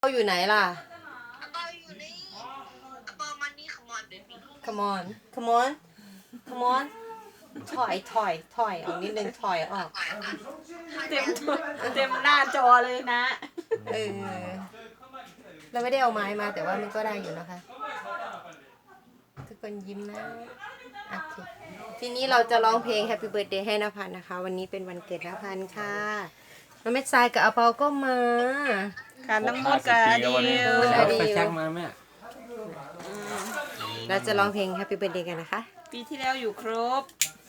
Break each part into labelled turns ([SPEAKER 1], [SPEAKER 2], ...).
[SPEAKER 1] เราอยู่ไหนล่ะ
[SPEAKER 2] เราอยู่นี่บอมันนี่ come on baby
[SPEAKER 1] come on come on come on ถอยออกนิดนึงถอยออก
[SPEAKER 3] เต็มหน้าจอเลยนะ
[SPEAKER 1] เออเราไม่ได้เอาไม้มาแต่ว่ามันก็ได้อยู่นะคะ ทุกคนยิ้มนะโอเคทีนี้เราจะร้องเพลง Happy Birthday ให้นภัสนะคะ วันนี้เป็นวันเกิดนภัสค่ะน้องเม็ดทรายกับอาเปาก็มา
[SPEAKER 3] การน้ำมดกับอดีล
[SPEAKER 1] อดีล
[SPEAKER 4] ไปชักมาแม่
[SPEAKER 1] เราจะร้องเพลง Happy Birthday กันนะคะ
[SPEAKER 3] ปีที่แล้วอยู่ครบ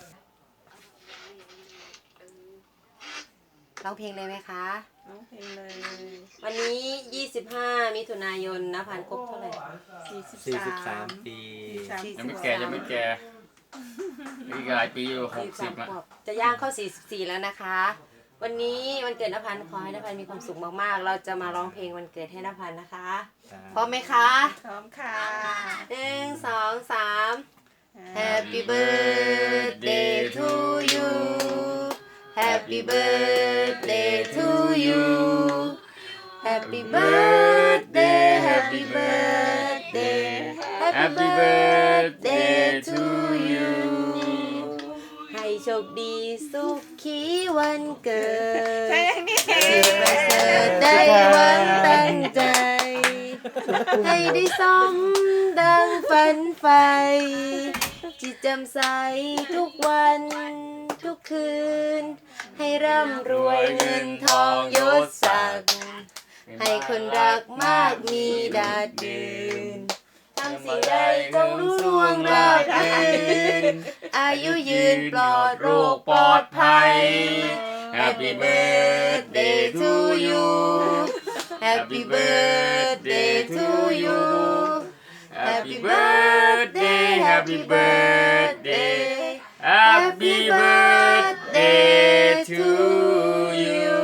[SPEAKER 1] ร้องเพลงเลยไหมคะ
[SPEAKER 3] ร้องเพลงเลย
[SPEAKER 1] วันนี้ 25 มิถุนายนนภัสครบเท่าไหร่
[SPEAKER 4] 43 ปี
[SPEAKER 5] ยังไม่แก่อีกหลายปีอยู่60อ่ะ
[SPEAKER 1] จะย่างเข้า44แล้วนะคะ วันนี้วันเกิดนภัสขอให้นภัสมีความสุขมากๆ เราจะมาร้องเพลงวันเกิดให้นภัสนะคะ พร้อมไหมคะ
[SPEAKER 3] พร้อมค่ะ
[SPEAKER 1] 1 2 3 Happy birthday to you Happy birthday to you Happy birthday Happy birthday
[SPEAKER 5] Happy birthday to you
[SPEAKER 1] ให้โชคดีสุขีวันเกิด
[SPEAKER 3] ใช่นี่
[SPEAKER 1] สิ่งประเสริฐได้หวังตั้งใจ ให้ได้สมดังฝันใฝ่จิตแจ่มใสทุกวันทุกคืน ให้ร่ำรวยเงินทองยศศักดิ์ให้คนรักมากมีดาดดืนทำสิ่งใดจงรู้ล่วงราบรื่นอายุยืนปลอดโรคปลอดภัย Happy birthday to you Happy birthday to you Happy birthday Happy birthday
[SPEAKER 5] Happy birthday to you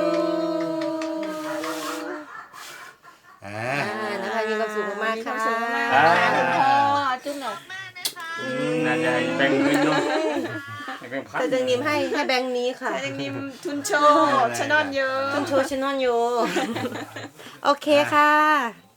[SPEAKER 1] นะคะมีความสุขมากๆค่ะ
[SPEAKER 3] พ่อจุ๊บหน่อย
[SPEAKER 5] น่าจะให้แบ่งเงินด้วยให้แบ่งพัน
[SPEAKER 1] แต่จังนิมให้แบงค์นี้ค่ะ
[SPEAKER 3] ใช่ยังนิมทุนโชว์ชนอนเยอะ
[SPEAKER 1] ต้องโชว์ชนอนอยู่ โอเคค่ะ